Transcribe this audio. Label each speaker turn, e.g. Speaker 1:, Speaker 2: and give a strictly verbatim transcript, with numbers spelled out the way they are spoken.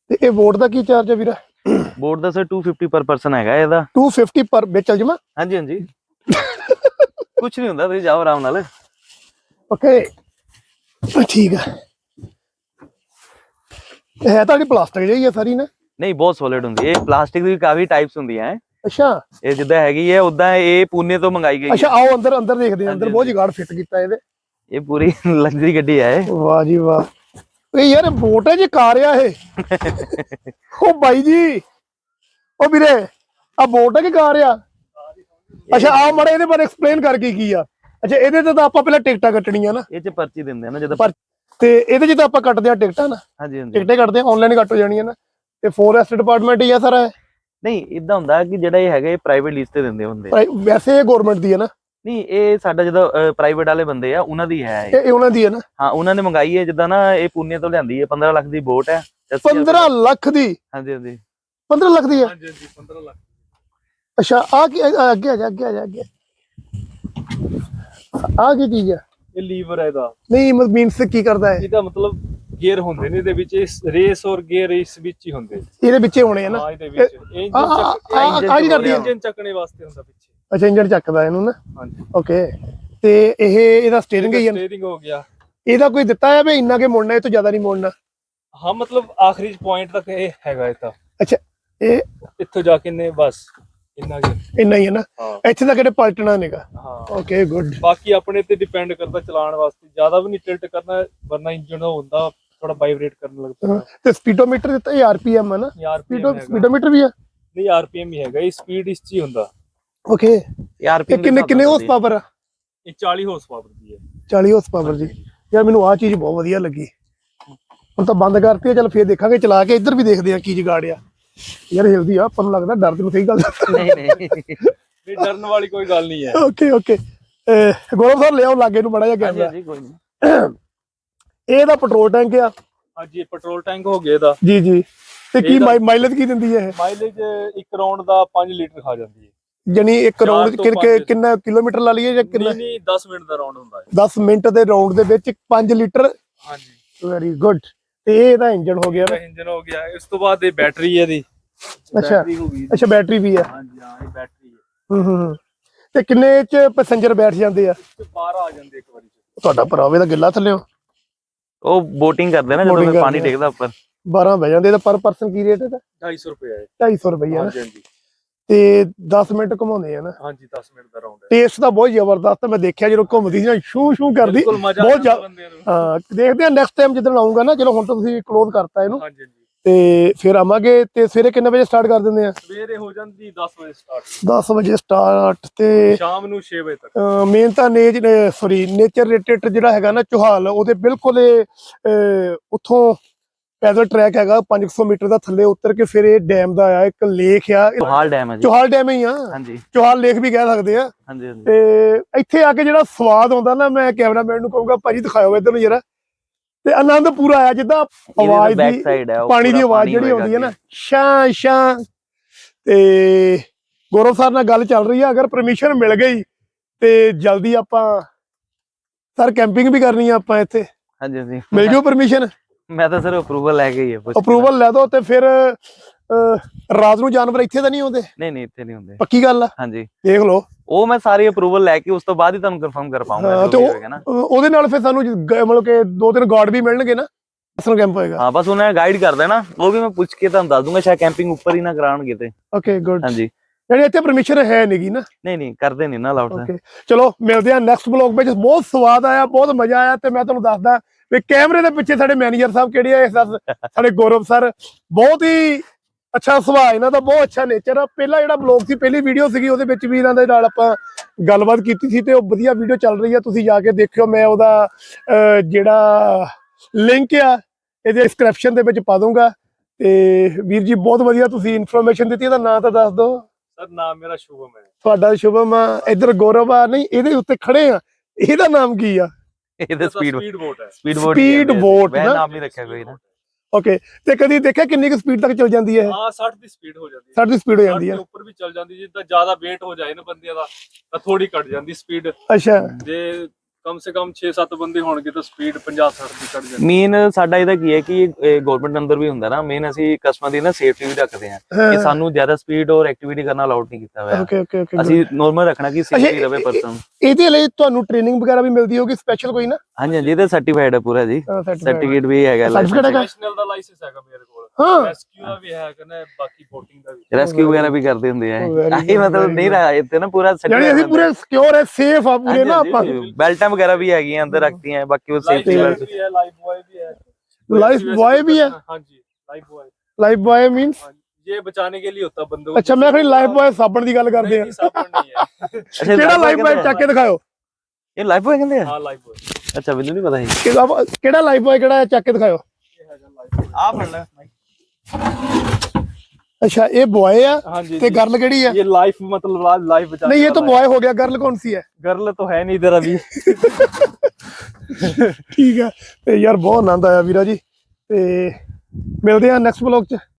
Speaker 1: ਤੇ ਇਹ ਬੋਟ ਦਾ ਕੀ ਚਾਰਜ ਹੈ ਵੀਰਾ?
Speaker 2: ਬੋਟ ਦਾ ਸਰ ਦੋ ਸੌ ਪਚਾਸ ਪਰ ਪਰਸਨ ਹੈਗਾ ਇਹਦਾ।
Speaker 1: ਦੋ ਸੌ ਪਚਾਸ ਪਰ ਵਿੱਚ ਚੱਲ ਜਾਵਾਂ?
Speaker 2: ਹਾਂਜੀ ਹਾਂਜੀ ਕੁਛ ਨਹੀਂ ਹੁੰਦਾ, ਤੁਸੀਂ ਜਾਓ ਆਰਾਮ ਨਾਲ।
Speaker 1: ਓਕੇ ਠੀਕ ਹੈ। ਹੈ ਤਾਂ ਪਲਾਸਟਿਕ ਜਿਹੀ ਹੈ ਸਾਰੀ ਨਾ?
Speaker 2: ਨਹੀਂ ਬਹੁਤ ਸੋਲਿਡ ਹੁੰਦੀ ਹੈ ਇਹ। ਪਲਾਸਟਿਕ ਦੀ ਕਾਫੀ ਟਾਈਪਸ ਹੁੰਦੀਆਂ ਹੈ।
Speaker 1: ਅੱਛਾ
Speaker 2: ਇਹ ਜਿੱਦਾਂ ਹੈਗੀ ਹੈ ਉਦਾਂ ਇਹ ਪੂਨੇ ਤੋਂ ਮੰਗਾਈ ਗਈ।
Speaker 1: ਅੱਛਾ ਆਓ ਅੰਦਰ ਅੰਦਰ ਦੇਖਦੇ ਹਾਂ। ਅੰਦਰ ਬਹੁਤ ਜੁਗਾੜ ਫਿੱਟ ਕੀਤਾ ਇਹਦੇ।
Speaker 2: ਇਹ ਪੂਰੀ ਲਗਜ਼ਰੀ ਗੱਡੀ ਹੈ।
Speaker 1: ਵਾਹ ਜੀ ਵਾਹ। ਇਹ ਯਾਰ ਬੋਟ ਹੈ ਜੀ ਕਾਰ ਆ ਇਹ? ਉਹ ਬਾਈ ਜੀ ਉਹ ਵੀਰੇ ਆ ਬੋਟ ਹੈ ਕਿ ਕਾਰ ਆ? ਅੱਛਾ ਆ ਮਾੜਾ ਇਹਦੇ ਬਾਰੇ ਐਕਸਪਲੇਨ ਕਰਕੇ ਕੀ ਆ। ਅੱਛਾ ਇਹਦੇ ਤੇ ਤਾਂ ਆਪਾਂ ਪਹਿਲਾਂ ਟਿਕਟਾਂ ਕੱਟਣੀਆਂ ਨਾ?
Speaker 2: ਇਹ ਚ ਪਰਚੀ ਦਿੰਦੇ ਆ ਨਾ ਜਦੋਂ।
Speaker 1: ਤੇ ਇਹਦੇ ਚ ਤਾਂ ਆਪਾਂ ਕੱਟਦੇ ਆ ਟਿਕਟਾਂ ਨਾ?
Speaker 2: ਹਾਂਜੀ ਹਾਂਜੀ
Speaker 1: ਟਿਕਟਾਂ ਕੱਟਦੇ ਆ, ਆਨਲਾਈਨ ਕੱਟ ਹੋ ਜਾਣੀਆਂ ਨਾ। ਤੇ ਫੋਰੈਸਟ ਡਿਪਾਰਟਮੈਂਟ ਹੀ ਆ ਸਾਰਾ?
Speaker 2: ਨਹੀਂ ਇਦਾਂ ਹੁੰਦਾ ਕਿ ਜਿਹੜਾ ਇਹ ਹੈਗਾ ਇਹ ਪ੍ਰਾਈਵੇਟ ਲੀਜ਼ ਤੇ ਦਿੰਦੇ ਹੁੰਦੇ।
Speaker 1: ਵੈਸੇ ਇਹ ਗਵਰਨਮੈਂਟ ਦੀ ਹੈ ਨਾ?
Speaker 2: ਨਹੀਂ ਇਹ ਸਾਡਾ ਜਦੋਂ ਪ੍ਰਾਈਵੇਟ ਵਾਲੇ ਬੰਦੇ ਆ ਉਹਨਾਂ ਦੀ ਹੈ
Speaker 1: ਇਹ ਉਹਨਾਂ ਦੀ ਹੈ ਨਾ?
Speaker 2: ਹਾਂ ਉਹਨਾਂ ਨੇ ਮੰਗਾਈ ਹੈ। ਜਿੱਦਾਂ ਨਾ ਇਹ ਪੂਨੇ ਤੋਂ ਲਿਆਂਦੀ ਹੈ। ਪੰਦਰਾਂ ਲੱਖ ਦੀ ਬੋਟ ਹੈ।
Speaker 1: ਪੰਦਰਾਂ ਲੱਖ ਦੀ?
Speaker 2: ਹਾਂਜੀ ਹਾਂਜੀ
Speaker 1: ਪੰਦਰਾਂ ਲੱਖ ਦੀ ਹੈ?
Speaker 3: ਹਾਂਜੀ ਹਾਂਜੀ ਪੰਦਰਾਂ ਲੱਖ।
Speaker 1: ਅੱਛਾ ਆ ਕੀ ਅੱਗੇ ਆ ਜਾ ਅੱਗੇ ਆ ਜਾ ਅੱਗੇ ਆ ਕੀ ਚੀਜ਼ ਆ?
Speaker 3: ਇਹ ਲੀਵਰ ਹੈ ਇਹਦਾ।
Speaker 1: ਨਹੀਂ ਮੀਨਸ ਕੀ ਕਰਦਾ ਹੈ?
Speaker 3: ਇਹਦਾ ਮਤਲਬ ਗੇਅਰ ਹੁੰਦੇ ਨੇ ਇਹਦੇ ਵਿੱਚ। ਇਸ ਰੇਸ ਔਰ ਗੇਅਰ ਇਸ ਵਿੱਚ ਹੀ ਹੁੰਦੇ।
Speaker 1: ਇਹਦੇ ਵਿੱਚੇ ਹੋਣੇ ਆ ਨਾ?
Speaker 3: ਹਾਂ ਇਹਦੇ ਵਿੱਚ ਇੰਜਨ
Speaker 1: ਆ ਕੀ ਕਰਦੀ ਹੈ?
Speaker 3: ਇੰਜਨ ਚੱਕਣੇ ਵਾਸਤੇ ਹੁੰਦਾ ਪਿੱਛੇ।
Speaker 1: ਅੱਛਾ ਇੰਜਨ ਚੱਕਦਾ ਇਹਨੂੰ ਨਾ?
Speaker 3: ਹਾਂਜੀ
Speaker 1: ਓਕੇ। ਤੇ ਇਹ ਇਹਦਾ ਸਟੀਅਰਿੰਗ ਹੀ ਹੈ?
Speaker 3: ਸਟੀਅਰਿੰਗ ਹੋ ਗਿਆ।
Speaker 1: ਇਹਦਾ ਕੋਈ ਦਿੱਤਾ ਹੈ ਵੀ ਇੰਨਾ ਕੇ ਮੁੜਨਾ, ਇਹ ਤੋਂ ਜ਼ਿਆਦਾ ਨਹੀਂ ਮੁੜਨਾ?
Speaker 3: ਹਾਂ ਮਤਲਬ ਆਖਰੀ ਪੁਆਇੰਟ ਤੱਕ ਇਹ ਹੈਗਾ ਇਹ ਤਾਂ।
Speaker 1: ਅੱਛਾ ਇਹ
Speaker 3: ਇੱਥੋਂ ਜਾ ਕੇ ਨੇ ਬਸ ਇੰਨਾ ਕੁ।
Speaker 1: ਇੰਨਾ ਹੀ ਹੈ ਨਾ?
Speaker 3: ਹਾਂ
Speaker 1: ਇੱਥੇ ਤੱਕ ਇਹਨੇ ਪਲਟਣਾ ਨਹੀਂਗਾ?
Speaker 3: ਹਾਂ
Speaker 1: ਓਕੇ ਗੁੱਡ।
Speaker 3: ਬਾਕੀ ਆਪਣੇ ਤੇ ਡਿਪੈਂਡ ਕਰਦਾ ਚਲਾਉਣ ਵਾਸਤੇ। ਜ਼ਿਆਦਾ ਵੀ ਨਹੀਂ ਟਿਲਟ ਕਰਨਾ ਵਰਨਾ ਇੰਜਨ ਹੁੰਦਾ ਥੋੜਾ ਵਾਈਬ੍ਰੇਟ ਕਰਨ ਲੱਗ ਪੈਂਦਾ।
Speaker 1: ਤੇ ਸਪੀਡੋਮੀਟਰ ਦਿੱਤਾ? ਇਹ ਆਰਪੀਐਮ ਹੈ ਨਾ?
Speaker 3: ਆਰਪੀਐਮ ਹੈਗਾ।
Speaker 1: ਸਪੀਡੋਮੀਟਰ ਵੀ ਆ?
Speaker 3: ਨਹੀਂ ਆਰਪੀਐਮ ਹੀ ਹੈਗਾ। ਇਹ ਸਪੀਡ ਇਸ ਚ ਹੀ ਹੁੰਦਾ।
Speaker 1: ਓਕੇ।
Speaker 2: ਯਾਰ
Speaker 1: ਤੇ ਕਿੰਨੇ ਕਿੰਨੇ ਹਾਰਸ ਪਾਵਰ ਆ?
Speaker 3: ਇਹ ਚਾਲੀ ਹਾਰਸ ਪਾਵਰ ਦੀ ਹੈ।
Speaker 1: ਚਾਲੀ ਹਾਰਸ ਪਾਵਰ ਜੀ? ਯਾਰ ਮੈਨੂੰ ਆਹ ਚੀਜ਼ ਬਹੁਤ ਵਧੀਆ ਲੱਗੀ। ਹੁਣ ਤਾਂ ਬੰਦ ਕਰਤੀ ਹੈ, ਚਲ ਫੇਰ ਦੇਖਾਂਗੇ ਚਲਾ ਕੇ। ਇੱਧਰ ਵੀ ਦੇਖਦੇ ਆ ਕੀ ਜਗਾੜ ਆ। ਯਾਰ ਹਿਲਦੀ ਆ, ਆਪਾਂ ਨੂੰ ਲੱਗਦਾ ਡਰ। ਤੈਨੂੰ ਸਹੀ ਗੱਲ
Speaker 2: ਨਹੀਂ ਨਹੀਂ
Speaker 3: ਨਹੀਂ ਡਰਨ ਵਾਲੀ ਕੋਈ ਗੱਲ ਨਹੀਂ ਹੈ।
Speaker 1: Okay okay. ਗੌਰਵ ਸਰ ਲਿਆਓ ਲਾਗੇ ਨੂੰ ਬੜਾ ਜਿਹਾ ਕੈਮਰਾ।
Speaker 2: ਹਾਂਜੀ ਕੋਈ ਨਹੀਂ।
Speaker 1: ਇਹਦਾ ਪੈਟਰੋਲ ਟੈਂਕ ਆ?
Speaker 3: ਹਾਂਜੀ ਇਹ ਪੈਟਰੋਲ ਟੈਂਕ ਹੋ ਗਿਆ ਇਹਦਾ।
Speaker 1: ਜੀ ਜੀ। ਤੇ ਕੀ ਮਾਈਲੇਜ ਕੀ ਦਿੰਦੀ ਹੈ ਇਹ?
Speaker 3: ਮਾਈਲੇਜ ਇੱਕ ਰਾਉਂਡ ਦਾ ਪੰਜ ਲੀਟਰ ਖਾ ਜਾਂਦੀ ਹੈ।
Speaker 1: ਜਾਨੀ ਇੱਕ ਰਾਉਂਡ ਕਿੰਨਾ ਕਿਲੋਮੀਟਰ ਲਾ ਲਈਏ ਜਾਂ ਕਿੰਨਾ?
Speaker 3: ਨਹੀਂ ਦਸ ਮਿੰਟ ਦਾ ਰਾਉਂਡ ਹੁੰਦਾ ਹੈ।
Speaker 1: ਦਸ ਮਿੰਟ ਦੇ ਰਾਉਂਡ ਦੇ ਵਿੱਚ ਪੰਜ ਲੀਟਰ?
Speaker 3: ਹਾਂਜੀ
Speaker 1: ਵੈਰੀ ਗੁੱਡ। ਤੇ ਇਹ ਇਹਦਾ ਇੰਜਨ ਹੋ ਗਿਆ ਨਾ?
Speaker 3: ਇੰਜਨ ਹੋ ਗਿਆ। ਇਸ ਤੋਂ ਬਾਅਦ ਇਹ ਬੈਟਰੀ ਹੈ ਇਹਦੀ।
Speaker 1: ਅੱਛਾ ਅੱਛਾ ਬੈਟਰੀ ਵੀ ਹੈ?
Speaker 3: ਹਾਂਜੀ ਹਾਂ ਇਹ ਬੈਟਰੀ ਹੈ।
Speaker 1: ਹੂੰ ਹੂੰ। ਤੇ ਕਿੰਨੇ ਚ ਪੈਸੇਂਜਰ ਬੈਠ ਜਾਂਦੇ ਆ?
Speaker 3: ਬਾਰਾਂ ਆ ਜਾਂਦੇ ਇੱਕ ਵਾਰੀ ਚ।
Speaker 1: ਤੁਹਾਡਾ ਭਰਾ ਹੋਵੇ ਤਾਂ ਗਿੱਲਾ ਥੱਲਿਓ?
Speaker 2: ਉਹ ਬੋਟਿੰਗ ਕਰਦੇ ਨਾ ਜਦੋਂ ਪਾਣੀ ਡਿੱਗਦਾ ਉੱਪਰ।
Speaker 1: ਬਾਰਾਂ ਬਹਿ ਜਾਂਦੇ। ਤਾਂ ਪਰ ਪਰਸਨ ਕੀ ਰੇਟ ਹੈ?
Speaker 3: ਢਾਈ ਸੌ ਰੁਪਏ ਹੈ।
Speaker 1: ਢਾਈ ਸੌ ਰੁਪਈਆ?
Speaker 3: ਹਾਂਜੀ ਹਾਂਜੀ।
Speaker 1: ਤੇ ਦਸ ਮਿੰਟ ਘੁਮਾਉਂਦੇ ਆ ਨਾ?
Speaker 3: ਹਾਂਜੀ ਦਸ ਮਿੰਟ ਦਾ ਰਾਉਂਡ ਹੈ।
Speaker 1: ਟੇਸਟ ਤਾਂ ਬਹੁਤ ਜ਼ਬਰਦਸਤ। ਮੈਂ ਦੇਖਿਆ ਜਦੋਂ ਘੁੰਮਦੀ ਸੀ ਨਾ ਸ਼ੂ ਸ਼ੂ ਕਰਦੀ ਬਹੁਤ ਜ਼ਿਆਦਾ। ਹਾਂ ਦੇਖਦੇ ਆ ਨੈਕਸਟ ਟਾਈਮ ਜਦੋਂ ਆਉਂਗਾ ਨਾ। ਚਲੋ ਹੁਣ ਤਾਂ ਤੁਸੀਂ ਕਲੋਜ਼ ਕਰਤਾ ਇਹਨੂੰ।
Speaker 3: ਹਾਂਜੀ ਹਾਂਜੀ।
Speaker 1: ਤੇ ਫਿਰ ਆਵਾਂਗੇ। ਤੇ ਸਵੇਰੇ ਕਿੰਨੇ ਵਜੇ ਸਟਾਰਟ ਕਰ ਦਿੰਦੇ ਆ?
Speaker 3: ਸਵੇਰੇ ਹੋ ਜਾਂਦੀ ਦਸ ਵਜੇ ਸਟਾਰਟ।
Speaker 1: ਦਸ ਵਜੇ ਸਟਾਰਟ ਤੇ
Speaker 3: ਸ਼ਾਮ ਨੂੰ ਛੇ ਵਜੇ ਤੱਕ।
Speaker 1: ਮੇਨ ਤਾਂ ਨੇਜ ਸੌਰੀ ਨੇਚਰ ਰਿਲੇਟਡ ਜਿਹੜਾ ਹੈਗਾ ਨਾ ਚੋਹਾਲ, ਉਹਦੇ ਬਿਲਕੁਲ ਉੱਥੋਂ ਪੈਦਲ ਟਰੈਕ ਹੈਗਾ ਪੰਜ ਸੌ ਮੀਟਰ ਦਾ। ਥੱਲੇ ਉਤਰ ਕੇ ਫਿਰ ਇਹ ਡੈਮ ਦਾ ਆ ਇੱਕ ਲੇਕ ਆ।
Speaker 2: ਚੋਹਾਲ ਡੈਮ ਹੈ ਜੀ? ਚੋਹਾਲ
Speaker 1: ਡੈਮ ਹੀ ਆ।
Speaker 2: ਹਾਂਜੀ
Speaker 1: ਚੋਹਾਲ ਲੇਕ ਵੀ ਕਹਿ ਸਕਦੇ ਆ।
Speaker 2: ਹਾਂਜੀ ਹਾਂਜੀ।
Speaker 1: ਤੇ ਇੱਥੇ ਆ ਕੇ ਜਿਹੜਾ ਸਵਾਦ ਆਉਂਦਾ ਨਾ, ਮੈਂ ਕੈਮਰਾਮੈਨ ਨੂੰ ਕਹੂੰਗਾ ਭਾਜੀ ਦਿਖਾਓ ਇੱਧਰ ਨੂੰ ਜਰਾ। ਤੇ ਆਨੰਦ ਪੂਰਾ ਆਇਆ ਜਿੱਦਾਂ ਆਵਾਜ਼ ਦੀ ਪਾਣੀ ਦੀ ਆਵਾਜ਼ ਜਿਹੜੀ ਆਉਂਦੀ ਹੈ ਨਾ ਸ਼ਾਂ ਸ਼ਾਂ। ਤੇ ਗੌਰਵ ਸਰ ਨਾਲ ਗੱਲ ਚੱਲ ਰਹੀ ਆ। ਅਗਰ ਪਰਮਿਸ਼ਨ ਮਿਲ ਗਈ ਤੇ ਜਲਦੀ ਆਪਾਂ ਸਰ ਕੈਂਪਿੰਗ ਵੀ ਕਰਨੀ ਆ ਆਪਾਂ ਇੱਥੇ।
Speaker 2: ਹਾਂਜੀ ਹਾਂਜੀ
Speaker 1: ਮਿਲ ਜੂ ਪਰਮਿਸ਼ਨ?
Speaker 2: ਮੈਂ ਤਾਂ ਸਰ ਅਪਰੂਵਲ ਲੈ ਕੇ ਹੀ ਹੈ।
Speaker 1: ਅਪਰੂਵਲ ਲੈ ਦੋ ਤੇ ਫਿਰ ਰਾਤ ਨੂੰ ਜਾਨਵਰ ਇੱਥੇ ਤਾਂ ਨਹੀਂ ਆਉਂਦੇ?
Speaker 2: ਨਹੀਂ ਨਹੀਂ ਇੱਥੇ ਨਹੀਂ ਹੁੰਦੇ।
Speaker 1: ਪੱਕੀ ਗੱਲ ਆ?
Speaker 2: ਹਾਂਜੀ
Speaker 1: ਦੇਖ ਲਓ।
Speaker 2: ਉਹ ਮੈਂ ਸਾਰੀ ਅਪਰੂਵਲ ਲੈ ਕੇ ਉਸ ਤੋਂ ਬਾਅਦ ਹੀ ਤੁਹਾਨੂੰ ਕਨਫਰਮ ਕਰ ਪਾਉਂਗਾ।
Speaker 1: ਤੇ ਉਹਦੇ ਨਾਲ ਫਿਰ ਸਾਨੂੰ ਮਤਲਬ ਕਿ ਦੋ ਤਿੰਨ ਗਾਰਡ ਵੀ ਮਿਲਣਗੇ ਨਾ? ਪਰਸਨਲ ਕੈਂਪ ਹੋਏਗਾ?
Speaker 2: ਹਾਂ ਬਸ ਉਹਨਾਂ ਨੇ ਗਾਈਡ ਕਰ ਦੇਣਾ। ਉਹ ਵੀ ਮੈਂ ਪੁੱਛ ਕੇ ਤੁਹਾਨੂੰ ਦੱਸ ਦੂੰਗਾ। ਸ਼ਾਇਦ ਕੈਂਪਿੰਗ ਉੱਪਰ ਹੀ ਨਾ ਕਰਾਉਣਗੇ ਤੇ।
Speaker 1: Okay good.
Speaker 2: ਹਾਂਜੀ
Speaker 1: ਯਾਨੀ ਇੱਥੇ ਪਰਮਿਸ਼ਨ ਹੈ ਨਹੀਂਗੀ ਨਾ?
Speaker 2: ਨਹੀਂ ਨਹੀਂ ਕਰਦੇ ਨਹੀਂ ਨਾ ਅਲਾਉਡ।
Speaker 1: ਓਕੇ ਚਲੋ ਮਿਲਦੇ ਆ ਨੈਕਸਟ ਬਲੌਗ ਵਿੱਚ। ਬਹੁਤ ਸਵਾਦ ਆਇਆ, ਬਹੁਤ ਮਜ਼ਾ ਆਇਆ। ਤੇ ਮੈਂ ਤੁਹਾਨੂੰ ਦੱਸਦਾ ਵੀ ਕੈਮਰੇ ਦੇ ਪਿੱਛੇ ਸਾਡੇ ਮੈਨੇਜਰ ਸਾਹਿਬ ਕਿਹੜੇ ਆ। ਇਸ ਦਾ ਸਾਡੇ ਗੌਰਵ ਸਰ ਬਹੁਤ ਹੀ ਅੱਛਾ ਸੁਭਾਅ ਇਹਨਾਂ ਦਾ, ਬਹੁਤ ਅੱਛਾ ਨੇਚਰ ਆ। ਪਹਿਲਾ ਜਿਹੜਾ ਬਲੌਗ ਸੀ, ਪਹਿਲੀ ਵੀਡੀਓ ਸੀਗੀ, ਉਹਦੇ ਵਿੱਚ ਵੀ ਇਹਨਾਂ ਦੇ ਨਾਲ ਆਪਾਂ ਗੱਲਬਾਤ ਕੀਤੀ ਸੀ ਤੇ ਉਹ ਵਧੀਆ ਵੀਡੀਓ ਚੱਲ ਰਹੀ ਆ। ਤੁਸੀਂ ਜਾ ਕੇ ਦੇਖਿਓ। ਮੈਂ ਉਹਦਾ ਜਿਹੜਾ ਲਿੰਕ ਆ ਇਹਦੇ ਡਿਸਕ੍ਰਿਪਸ਼ਨ ਦੇ ਵਿੱਚ ਪਾ ਦੂੰਗਾ। ਤੇ ਵੀਰ ਜੀ ਬਹੁਤ ਵਧੀਆ ਤੁਸੀਂ ਇਨਫੋਰਮੇਸ਼ਨ ਦਿੱਤੀ। ਇਹਦਾ ਨਾਂ ਤਾਂ ਦੱਸ ਦਿਓ।
Speaker 3: ਸਰ ਨਾਮ ਮੇਰਾ ਸ਼ੁਭਮ ਹੈ।
Speaker 1: ਤੁਹਾਡਾ ਸ਼ੁਭਮ ਆ। ਇੱਧਰ ਗੌਰਵ ਆ। ਨਹੀਂ ਇਹਦੇ ਉੱਤੇ ਖੜੇ ਆ। ਇਹਦਾ ਨਾਮ ਕੀ ਆ?
Speaker 2: ਇਹਦਾ ਸਪੀਡ
Speaker 3: ਬੋਟ ਹੈ।
Speaker 2: ਸਪੀਡ ਬੋਟ
Speaker 1: ਸਪੀਡ ਬੋਟ
Speaker 2: ਨਾ ਨਾਮ ਨਹੀਂ ਰੱਖਿਆ ਕੋਈ ਨਾ।
Speaker 1: ਓਕੇ ਤੇ ਕਦੀ ਦੇਖਿਆ ਕਿੰਨੀ ਕੁ ਸਪੀਡ ਤੱਕ ਚੱਲ ਜਾਂਦੀ ਹੈ?
Speaker 3: ਹਾਂ ਸੱਠ ਦੀ ਸਪੀਡ ਹੋ ਜਾਂਦੀ ਹੈ।
Speaker 1: ਸੱਠ ਦੀ ਸਪੀਡ ਹੋ ਜਾਂਦੀ ਹੈ?
Speaker 3: ਉੱਪਰ ਵੀ ਚੱਲ ਜਾਂਦੀ। ਜਿੱਦਾਂ ਜ਼ਿਆਦਾ weight ਹੋ ਜਾਏ ਨਾ ਬੰਦਿਆਂ ਦਾ ਤਾਂ ਥੋੜੀ ਘਟ ਜਾਂਦੀ ਸਪੀਡ।
Speaker 1: ਅੱਛਾ।
Speaker 3: ਜੇ ਕਮ ਸੇ ਕਮ ਛੇ ਸੱਤ ਬੰਦੇ ਹੋਣਗੇ ਤਾਂ ਸਪੀਡ ਪੰਜਾਹ ਸੱਠ ਦੀ ਚੜ ਜਾਂਦੀ।
Speaker 2: ਮੇਨ ਸਾਡਾ ਇਹਦਾ ਕੀ ਹੈ ਕਿ ਗਵਰਨਮੈਂਟ ਅੰਦਰ ਵੀ ਹੁੰਦਾ ਨਾ, ਮੇਨ ਅਸੀਂ ਕਸਟਮਰ ਦੀ ਨਾ ਸੇਫਟੀ ਵੀ ਰੱਖਦੇ ਹਾਂ ਕਿ ਸਾਨੂੰ ਜ਼ਿਆਦਾ ਸਪੀਡ ਔਰ ਐਕਟੀਵਿਟੀ ਕਰਨਾ ਅਲਾਉਡ ਨਹੀਂ ਕੀਤਾ ਹੋਇਆ।
Speaker 1: ਓਕੇ ਓਕੇ ਓਕੇ
Speaker 2: ਅਸੀਂ ਨੋਰਮਲ ਰੱਖਣਾ ਕਿ ਸੇਫਟੀ ਰਵੇ ਪਰਸਨ।
Speaker 1: ਇਹਦੇ ਲਈ ਤੁਹਾਨੂੰ ਟ੍ਰੇਨਿੰਗ ਵਗੈਰਾ ਵੀ ਮਿਲਦੀ ਹੋਗੀ ਸਪੈਸ਼ਲ ਕੋਈ ਨਾ?
Speaker 2: ਹਾਂਜੀ ਹਾਂਜੀ, ਇਹਦੇ ਸਰਟੀਫਾਈਡ ਹੈ ਪੂਰਾ ਜੀ, ਸਰਟੀਫਿਕੇਟ ਵੀ ਹੈਗਾ,
Speaker 1: ਸਰਟੀਫਿਕੇਟ ਹੈਗਾ,
Speaker 3: ਨੈਸ਼ਨਲ ਦਾ ਲਾਇਸੈਂਸ ਹੈਗਾ ਮੇਰੇ ਕੋਲ,
Speaker 1: ਹਾਂ
Speaker 3: ਰੈਸਕਿਊ ਦਾ ਵੀ ਹੈਗਾ ਨਾ, ਬਾਕੀ ਬੋਟਿੰਗ ਦਾ ਵੀ।
Speaker 2: ਰੈਸਕਿਊ ਵਗੈਰਾ ਵੀ ਕਰਦੇ ਹੁੰਦੇ ਆ ਇਹ, ਮਤਲਬ ਨਹੀਂ ਰਹਾ ਇੱਥੇ ਨਾ ਪੂਰਾ
Speaker 1: ਯਾਨੀ ਅਸੀਂ ਪੂਰੇ ਸਿਕਿਉਰ ਹੈ, ਸੇਫ ਆ ਪੂਰੇ ਨਾ ਆਪਾਂ।
Speaker 2: ਬੈਲਟਾਂ ਵਗੈਰਾ ਵੀ ਹੈਗੀਆਂ ਅੰਦਰ ਰੱਖਤੀਆਂ, ਬਾਕੀ ਉਹ
Speaker 3: ਲਾਈਫ
Speaker 2: ਸੇਫਟੀ
Speaker 3: ਜੈਕਟ ਵੀ ਹੈ, ਲਾਈਫ ਬॉय भी है,
Speaker 1: लाइफ बॉय भी है?
Speaker 3: हाँ जी, Lifebuoy.
Speaker 1: Lifebuoy means
Speaker 3: ये बचाने के लिए होता है बंदों को।
Speaker 1: अच्छा मैं खड़ी लाइफ बॉय साबण ਦੀ ਗੱਲ ਕਰਦੇ ਆ।
Speaker 3: नहीं, साबुन नहीं है।
Speaker 1: ਕਿਹੜਾ ਲਾਈਫ ਬॉय ਚੱਕ ਕੇ ਦਿਖਾਓ।
Speaker 2: ਇਹ ਲਾਈਫ ਬॉय ਕਹਿੰਦੇ ਆ?
Speaker 3: हाँ लाइफ बॉय।
Speaker 2: ਅੱਛਾ, ਮੈਨੂੰ ਨਹੀਂ ਪਤਾ ਸੀ।
Speaker 1: ਕਿਹੜਾ ਕਿਹੜਾ ਲਾਈਫ ਬॉय ਕਿਹੜਾ ਹੈ, ਚੱਕ ਕੇ ਦਿਖਾਓ।
Speaker 3: ये हैगा लाइफ बॉय।
Speaker 2: ਆ ਫੜ ਲੈ।
Speaker 1: अच्छा ये बॉय है
Speaker 3: हाँ जी
Speaker 1: ਤੇ गर्ल ਕਿਹੜੀ है?
Speaker 3: ये लाइफ मतलब लाइफ बचाने।
Speaker 1: नहीं ये तो बॉय हो गया, गर्ल कौन सी है?
Speaker 3: गर्ल तो है नहीं इधर अभी।
Speaker 1: ਠੀਕ ਹੈ ਤੇ ਯਾਰ ਬਹੁਤ ਆਨੰਦ ਆਇਆ ਵੀਰਾ ਜੀ, ਤੇ ਮਿਲਦੇ ਆ ਨੈਕਸਟ ਵਲੌਗ 'ਚ।